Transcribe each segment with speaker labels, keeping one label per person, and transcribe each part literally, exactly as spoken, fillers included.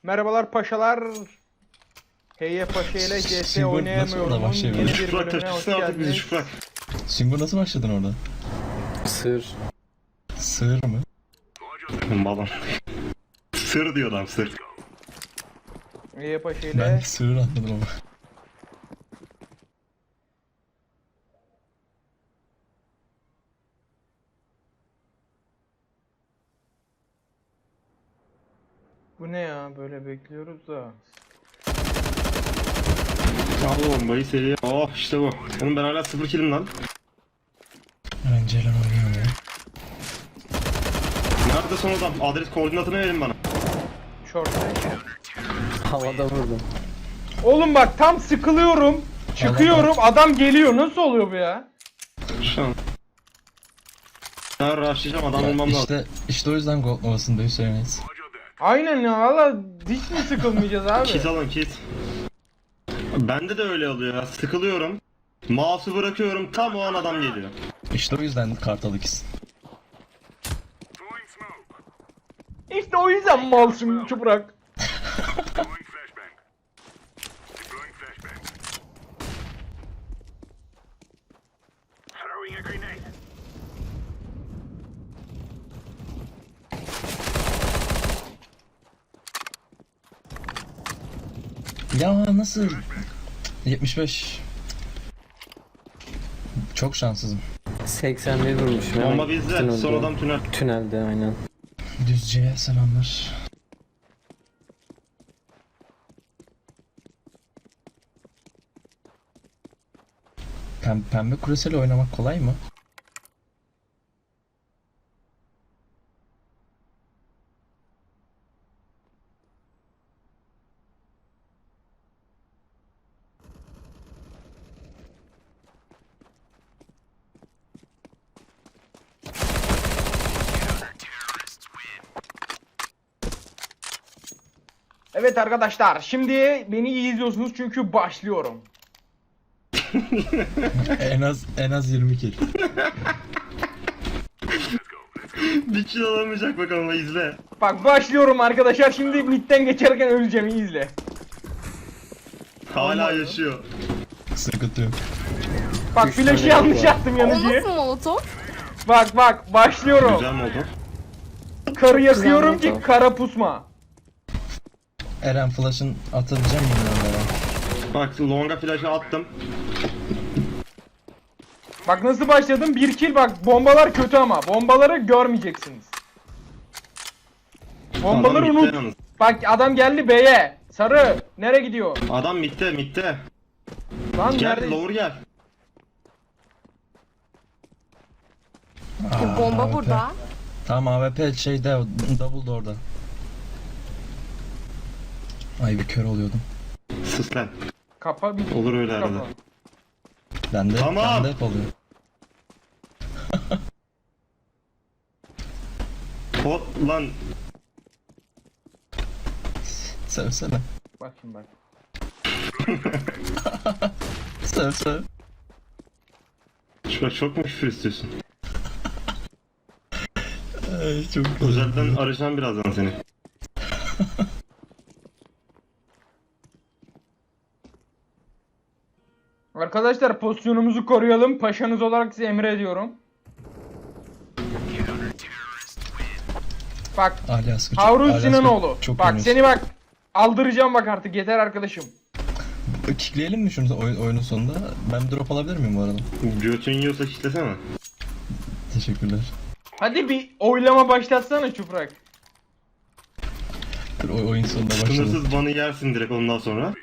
Speaker 1: Merhabalar paşalar. Heye Paşa ile C S
Speaker 2: Singur nasıl
Speaker 1: oynayamıyorum.
Speaker 2: orada başlayabilir?
Speaker 1: Yeni bir
Speaker 3: Şufrak
Speaker 1: bölümüne hoş
Speaker 3: taşısın artık bizi
Speaker 1: geldiniz.
Speaker 3: Şufrak.
Speaker 2: Singur nasıl başladın orada?
Speaker 4: Sır.
Speaker 2: Sığır mı?
Speaker 3: Balon. Sır diyor adam, sır.
Speaker 1: Heye Paşa
Speaker 2: Ben
Speaker 1: ile
Speaker 2: sığır anladım ama.
Speaker 1: bu ne ya, böyle bekliyoruz da.
Speaker 3: Al bombayı seriye. Oh işte bu. Oğlum ben hala sıfır kilim lan.
Speaker 2: Önceler oynuyor ya.
Speaker 3: Nerede son adam? Adres koordinatını verin bana.
Speaker 1: Short.
Speaker 4: Havada vurdum.
Speaker 1: Oğlum bak tam sıkılıyorum. Çıkıyorum, adam geliyor. Nasıl oluyor bu ya?
Speaker 3: Şu an. Ben rushlayacağım, adam
Speaker 2: Ya
Speaker 3: olmam lazım.
Speaker 2: işte, işte o yüzden Gold Nova'sında Hüseyin'iz.
Speaker 1: Aynen ya, valla hiç mi sıkılmayacağız abi?
Speaker 3: Kit alın kit. Bende de öyle oluyor ya. Sıkılıyorum. Mouse'u bırakıyorum, tam o an adam geliyor.
Speaker 2: İşte o yüzden Kartal ikiz.
Speaker 1: İşte o yüzden malsın Çuprak.
Speaker 2: Ya nasıl? yetmiş beş. Çok şanssızım.
Speaker 4: seksen bir vurmuşum. hemen
Speaker 3: Bomba bizde,
Speaker 4: tünelde.
Speaker 3: son adam tünel.
Speaker 4: Tünelde aynen.
Speaker 2: Düzce'ye selamlar. Pem pembe kuresiyle oynamak kolay mı?
Speaker 1: Evet arkadaşlar, şimdi beni iyi izliyorsunuz çünkü başlıyorum.
Speaker 2: en az en az yirmi kill.
Speaker 3: Bir kill alamayacak bakalım, izle.
Speaker 1: Bak başlıyorum arkadaşlar, şimdi midden geçerken öleceğim, iyi izle.
Speaker 3: Hala
Speaker 1: Olmadı.
Speaker 3: yaşıyor.
Speaker 2: Sıkıntı yok.
Speaker 1: Bak
Speaker 4: Üç
Speaker 1: flash'ı
Speaker 4: tane
Speaker 1: yanlış
Speaker 4: var.
Speaker 1: attım
Speaker 5: O
Speaker 1: yanıcıya.
Speaker 5: nasıl molotof?
Speaker 1: Bak bak başlıyorum.
Speaker 3: Güzel mi oldu?
Speaker 1: Karı yakıyorum
Speaker 4: Güzel
Speaker 1: ki
Speaker 4: oldu.
Speaker 1: kara pusma.
Speaker 2: Eren flash'ın atabileceğim milyonlara.
Speaker 3: Bak longa flash'ı attım.
Speaker 1: Bak nasıl başladım, bir kill. Bak bombalar kötü ama bombaları görmeyeceksiniz. Bombaları
Speaker 3: Adam
Speaker 1: unut.
Speaker 3: mitte yalnız.
Speaker 1: Bak adam geldi B'ye. Sarı nereye gidiyor?
Speaker 3: Adam mitte mitte.
Speaker 1: Lan
Speaker 3: Gel
Speaker 1: nerede?
Speaker 3: lower gel.
Speaker 2: Aa,
Speaker 5: Bomba
Speaker 2: A W P.
Speaker 5: burada.
Speaker 2: Tamam A W P şeyde o double door'da. Ay bir kör oluyordum.
Speaker 3: Sus lan.
Speaker 1: Kapa bir.
Speaker 3: Olur öyle arada.
Speaker 1: Kapa.
Speaker 2: Ben de,
Speaker 3: Tamam.
Speaker 2: ben de hep oluyor.
Speaker 3: Hot lan.
Speaker 2: Sövsene.
Speaker 1: Bak şimdi bak.
Speaker 2: Söv söv.
Speaker 3: Şurada çok mu küfür istiyorsun?
Speaker 2: Ay çok
Speaker 3: Özelden arayacağım birazdan seni.
Speaker 1: Arkadaşlar pozisyonumuzu koruyalım. Paşanız olarak size emrediyorum. Bak
Speaker 2: Ali Askı.
Speaker 1: Harun
Speaker 2: Ali
Speaker 1: Sinanoğlu.
Speaker 2: Askı çok
Speaker 1: Bak
Speaker 2: oynuyorsun.
Speaker 1: seni bak aldıracağım bak artık, yeter arkadaşım.
Speaker 2: Kickleyelim mi şunu oy- oyunun sonunda? Ben drop alabilir miyim bu arada?
Speaker 3: Götün yiyorsa kitlesene.
Speaker 2: Teşekkürler.
Speaker 1: Hadi bir oylama başlatsana Çuprak.
Speaker 2: Dur, oy- oyun sonunda başladı.
Speaker 3: Sınırsız banı yersin direkt ondan sonra.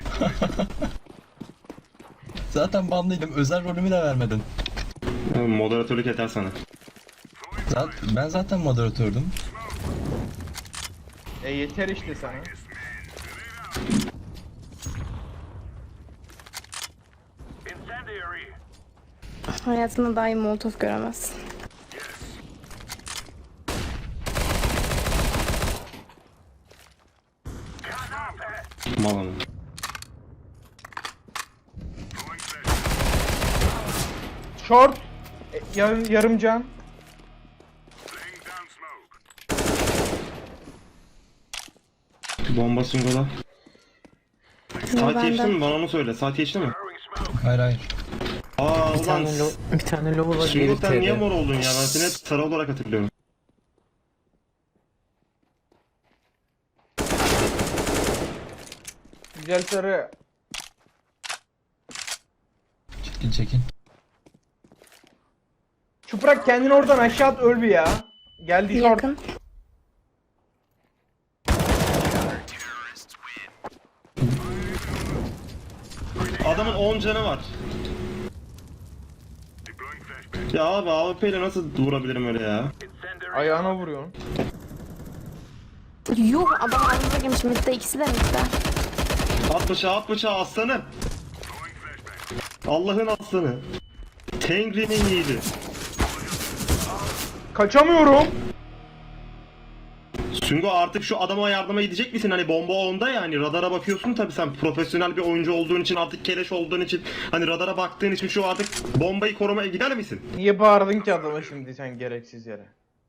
Speaker 2: Zaten banlıydım. Özel rolümü de vermedin.
Speaker 3: Moderatörlük yeter sana.
Speaker 2: Zaten, ben zaten moderatördüm.
Speaker 1: E yeter işte sana.
Speaker 5: Hayatında daha iyi molotof göremezsin.
Speaker 3: Mal ama.
Speaker 1: Short. E, yarım, yarım can.
Speaker 3: Bomba singola.
Speaker 5: Yo,
Speaker 3: Saat
Speaker 5: ben
Speaker 3: geçti
Speaker 5: de.
Speaker 3: mi? Bana onu söyle. Saat geçti mi?
Speaker 2: Hayır hayır.
Speaker 3: Aa
Speaker 4: Bir
Speaker 3: ulan.
Speaker 4: tane, lo bir tane low var.
Speaker 3: Singo
Speaker 4: geri
Speaker 3: sen niye
Speaker 4: T'de.
Speaker 3: mor oldun ya? Ben seni hep sarı olarak hatırlıyorum.
Speaker 1: Güzel sarı.
Speaker 2: Çekin çekin.
Speaker 1: Çuprak kendini oradan aşağı at, öl bir ya. Geldi short.
Speaker 5: Yakın.
Speaker 3: Adamın on canı var. Ya abi A W P ile nasıl vurabilirim öyle ya?
Speaker 1: Ayağına vuruyorsun.
Speaker 5: Yuh, adam ayrıca girmiş. Midde, ikisi de midde.
Speaker 3: At bıçağı at bıçağı aslanım. Allah'ın aslanı. Tengri'nin yiğidi.
Speaker 1: Kaçamıyorum.
Speaker 3: Sungo artık şu adama yardıma gidecek misin? Hani bomba onda ya, hani radara bakıyorsun tabii, sen profesyonel bir oyuncu olduğun için, artık keleş olduğun için, hani radara baktığın için şu artık bombayı korumaya gider misin?
Speaker 1: Niye bağırdın ki adama şimdi sen gereksiz yere?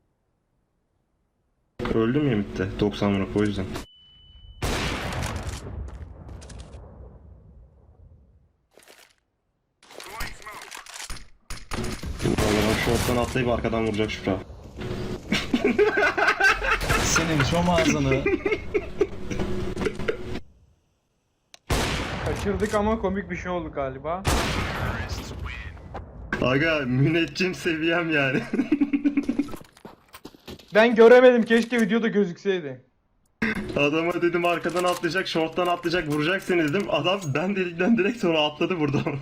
Speaker 3: Öldüm ya mitte doksan vurup, o yüzden. Vallahi şorttan atlayıp arkadan vuracak Şükrü.
Speaker 2: Senin şu ağzını.
Speaker 1: Kaçırdık ama komik bir şey oldu galiba.
Speaker 3: Aga müneccim seviyem yani.
Speaker 1: Ben göremedim, keşke videoda gözükseydi.
Speaker 3: Adama dedim arkadan atlayacak, şorttan atlayacak, vuracak seni dedim. Adam ben dedikten direkt sonra atladı buradan.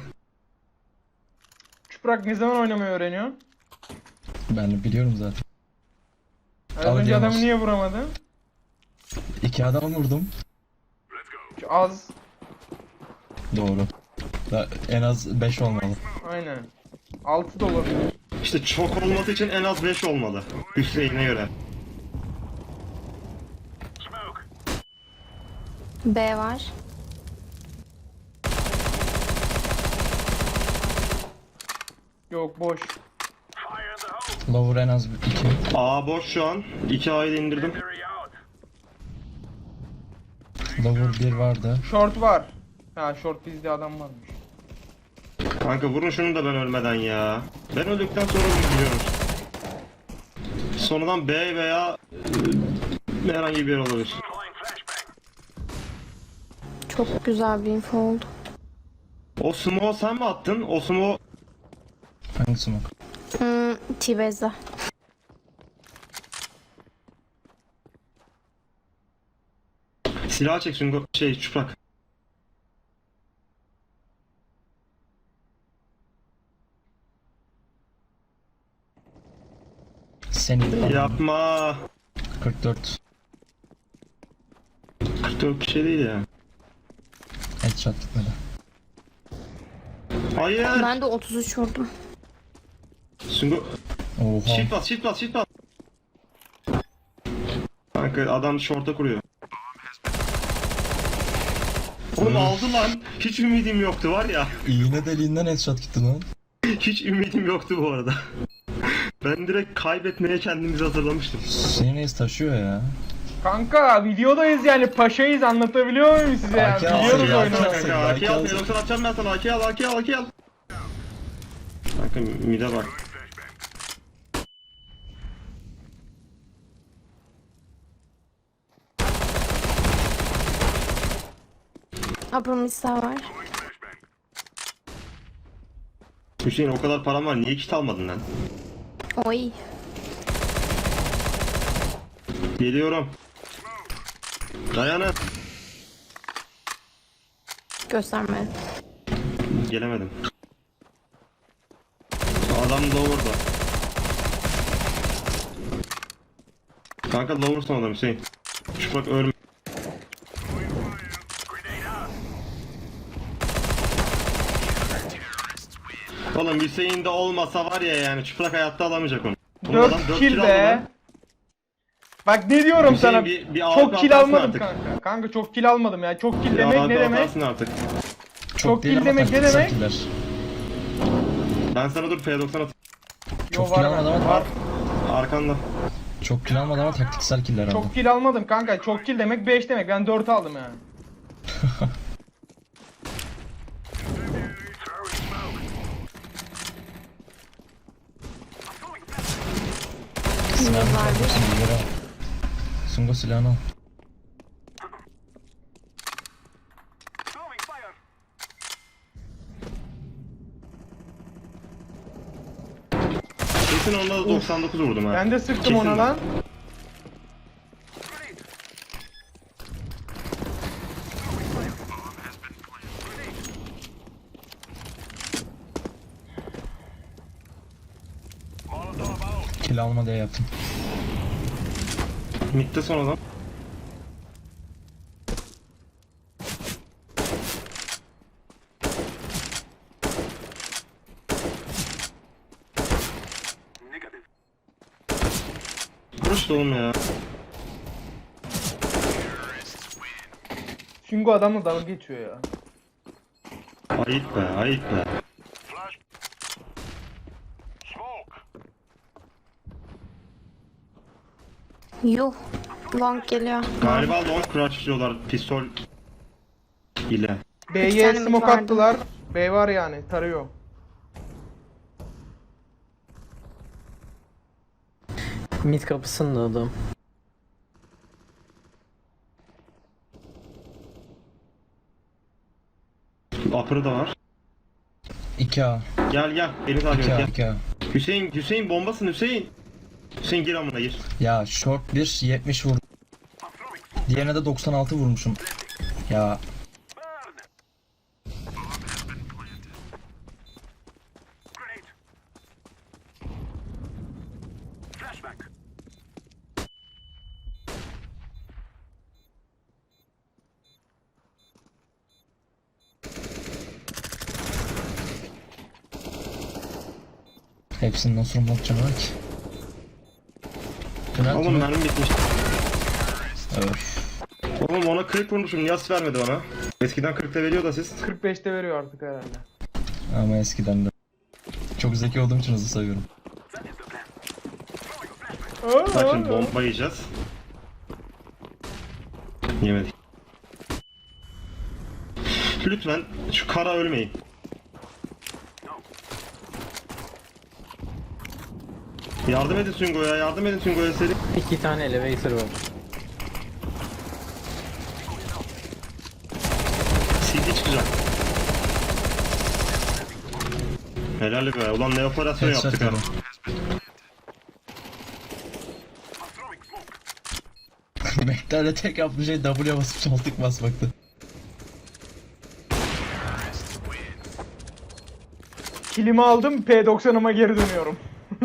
Speaker 1: Çuprak ne zaman oynamayı öğreniyorsun?
Speaker 2: Ben de biliyorum zaten.
Speaker 1: Az
Speaker 2: Al
Speaker 1: önce
Speaker 2: diyemez.
Speaker 1: adamı niye vuramadın?
Speaker 2: İki adam vurdum.
Speaker 1: Şu az.
Speaker 2: Doğru. Da en az beş olmalı.
Speaker 1: Aynen. altı da olabilir.
Speaker 3: İşte çok olması için en az beş olmalı. Hüseyin'e göre.
Speaker 5: B var.
Speaker 1: Yok, boş.
Speaker 2: Lower en az iki.
Speaker 3: A boş şu an. iki A'yı da indirdim.
Speaker 2: Lower bir vardı.
Speaker 1: Short var. Ha, short bizde adam varmış.
Speaker 3: Kanka vurun şunu da ben ölmeden ya. Ben öldükten sonra biliyorum. Sonradan B veya e, herhangi bir yer olabilir.
Speaker 5: Çok güzel bir info oldu.
Speaker 3: O smoke'u sen mi attın? O smoke...
Speaker 2: Hangi smoke?
Speaker 5: Hmm, T-Base'de.
Speaker 3: Silah çek Sungo. Şey Çuprak.
Speaker 2: Senin.
Speaker 3: Yapma.
Speaker 2: kırk dört.
Speaker 3: kırk dört bir şey değil ya.
Speaker 2: Headshot gitmedi.
Speaker 3: Hayır.
Speaker 5: Ben de otuz üç vurdum.
Speaker 3: Sungo.
Speaker 2: Oha.
Speaker 3: Shift bas, shift bas, shift bas. Kanka adam şorta kuruyor. Oğlum aldı lan. Hiç ümidim yoktu var ya.
Speaker 2: İğne deliğinden headshot gitti lan.
Speaker 3: Hiç ümidim yoktu bu arada. Ben direkt kaybetmeye kendimizi hazırlamıştım.
Speaker 2: Senin ace taşıyor ya.
Speaker 1: Kanka videodayız yani, paşayız, anlatabiliyor muyum size ya?
Speaker 2: Hakem
Speaker 1: Biliyoruz
Speaker 2: ya,
Speaker 1: oyunu.
Speaker 2: hakem.
Speaker 3: Kanka A K al, P doksan atacağım ben sana. A K al, A K al, A K al. Kanka mide bak.
Speaker 5: Upper mid sağ var.
Speaker 3: Hüseyin o kadar param var, niye kit almadın lan?
Speaker 5: Oy.
Speaker 3: Geliyorum. Dayanın.
Speaker 5: Gösterme.
Speaker 3: Gelemedim. Adam lower'da. Kanka lower son adam Hüseyin. Şu bak ölme. Oğlum Hüseyin de olmasa var ya, yani çıplak hayatta alamayacak onu. Oğlum adam
Speaker 1: dört
Speaker 3: dört
Speaker 1: kill
Speaker 3: aldı
Speaker 1: be.
Speaker 3: lan.
Speaker 1: Bak ne diyorum
Speaker 3: Hüseyin
Speaker 1: sana,
Speaker 3: bir- bir A
Speaker 1: çok
Speaker 3: W P
Speaker 1: kill
Speaker 3: atarsın
Speaker 1: almadım
Speaker 3: artık.
Speaker 1: kanka. Kanka çok kill almadım ya. Çok kill
Speaker 3: Ya
Speaker 1: demek
Speaker 3: abi
Speaker 1: ne demek?
Speaker 3: atarsın artık.
Speaker 1: Çok
Speaker 2: değil
Speaker 1: kill
Speaker 2: ama
Speaker 1: demek ne
Speaker 2: taktiksel
Speaker 1: demek?
Speaker 2: killer.
Speaker 3: Ben sana dur P doksan at.
Speaker 1: Yo,
Speaker 2: Çok
Speaker 1: var
Speaker 2: kill
Speaker 1: var.
Speaker 2: almadı ama
Speaker 1: var.
Speaker 3: Arkanda.
Speaker 2: Çok kill almadı ama taktiksel killer aldı.
Speaker 1: Çok kill almadım kanka. Çok kill demek beş demek. Ben dört aldım yani.
Speaker 2: Silahını çalmışsın, bilgileri al. Sungo silahını al.
Speaker 3: Kesin onda da doksan dokuz vurdum ha.
Speaker 1: Ben de sıktım
Speaker 3: Kesin
Speaker 1: ona
Speaker 3: de.
Speaker 1: lan.
Speaker 2: Kill alma diye yaptım.
Speaker 3: Mid'de son adam. Vuruş da oğlum ya.
Speaker 1: Shingo adamla dalga geçiyor ya.
Speaker 3: Ayıp be, ayıp be.
Speaker 5: Yuh. Long geliyor.
Speaker 3: Galiba long crouch diyorlar pistol ile.
Speaker 1: B'ye
Speaker 5: tane mid
Speaker 1: smoke
Speaker 5: vardı.
Speaker 1: attılar. B var yani. Tarıyor.
Speaker 4: Mid kapısında adam.
Speaker 3: Upper'ı da var.
Speaker 2: iki A.
Speaker 3: Gel gel, beni takip
Speaker 2: iki
Speaker 3: et
Speaker 2: A.
Speaker 3: gel.
Speaker 2: iki A.
Speaker 3: Hüseyin, Hüseyin bombasın Hüseyin. Hüseyin gir amına gir.
Speaker 2: Ya short bir yetmiş vurdum. Diğerine de doksan altı vurmuşum. Ya hepsinin nasıl olmak canı var ki? Tünel
Speaker 3: Oğlum
Speaker 2: tünel.
Speaker 3: mermi bitmiş.
Speaker 2: Öf.
Speaker 3: Oğlum ona kırk vurmuşum, niye asist vermedi bana? Eskiden kırkta veriyor da siz.
Speaker 1: kırk beşte veriyor artık herhalde.
Speaker 2: Ama eskiden de. Çok zeki olduğum için hızlı sayıyorum.
Speaker 3: Bak şimdi bomba yiyeceğiz. Yemedik. Lütfen şu kara ölmeyin. Yardım edin Sungo'ya, yardım edin Sungo'ya seri.
Speaker 4: İki tane elevator var.
Speaker 3: C D çıkacak. Helal be, ulan ne operasyon
Speaker 2: Headshot
Speaker 3: yaptık ha.
Speaker 2: yedim. Mektar'da tek yaptığı şey W basıp soltuk basmaktı.
Speaker 1: Kilimi aldım. P doksanıma geri dönüyorum.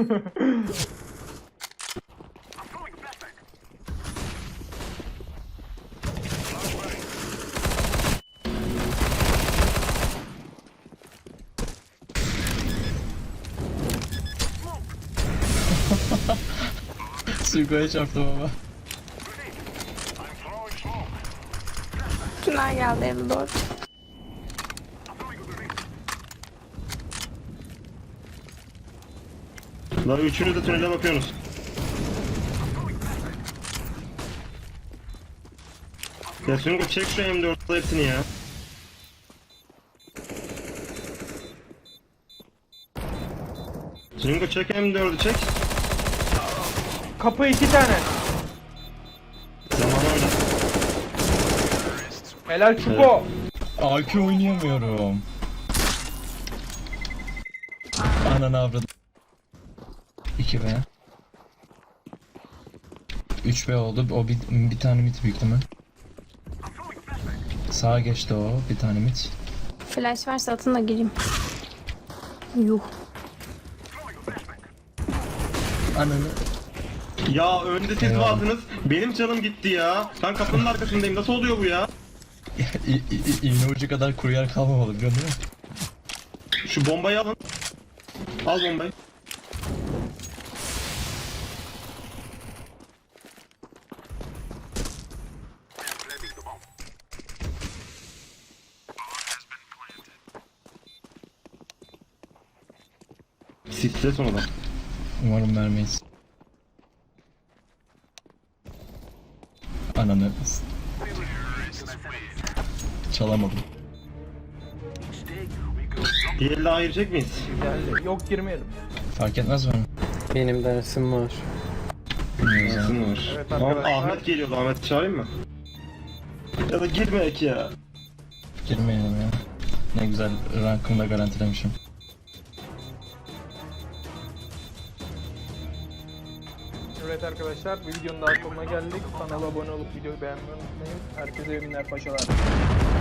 Speaker 2: Suiko'ya çarptım ama.
Speaker 5: Tünel geldi eve doğru.
Speaker 3: Lan üçünüz de tünele bakıyorsunuz. Ya Sungo çek şu M dört'te hepsini ya. Sungo çek M dört'ü çek.
Speaker 1: Kapı iki tane.
Speaker 3: Zaman oyna.
Speaker 1: Helal Çuko.
Speaker 2: A Q oynayamıyorum. Ananı avradım. iki B. üç B oldu. O bir, bir tane mid büyük değil mi? Sağa geçti o. Bir tane mid.
Speaker 5: Flash varsa atın da gireyim. Yuh.
Speaker 2: Ananı.
Speaker 3: Ya önde siz
Speaker 2: Eyvallah.
Speaker 3: vardınız. Benim canım gitti ya. Ben kapının arkasındayım. Nasıl oluyor bu ya?
Speaker 2: İ- i- i- İğne ucu kadar kuru yer kalmamalı biliyorsun değil mi?
Speaker 3: Şu bombayı alın. Al bombayı. Sisle sonradan.
Speaker 2: Umarım vermeyiz. Ananı. Çalamadım.
Speaker 3: Bir el daha girecek miyiz?
Speaker 1: Geldi. Yok girmeyelim.
Speaker 2: Fark etmez mi?
Speaker 4: Benim dersim var.
Speaker 2: Bilmiyoruz ya.
Speaker 3: Nasıl var?
Speaker 1: Evet
Speaker 3: Tamam,
Speaker 1: arkadaşlar.
Speaker 3: Ahmet geliyordu. Ahmet'i çağırayım mı? Ya da girmeyek ya.
Speaker 2: Girmeyelim ya. Ne güzel rankımı da garantilemişim.
Speaker 1: Evet arkadaşlar, bu videonun daha sonuna geldik. Kanala abone olup videoyu beğenmeyi unutmayın. Herkese iyi günler paşalar.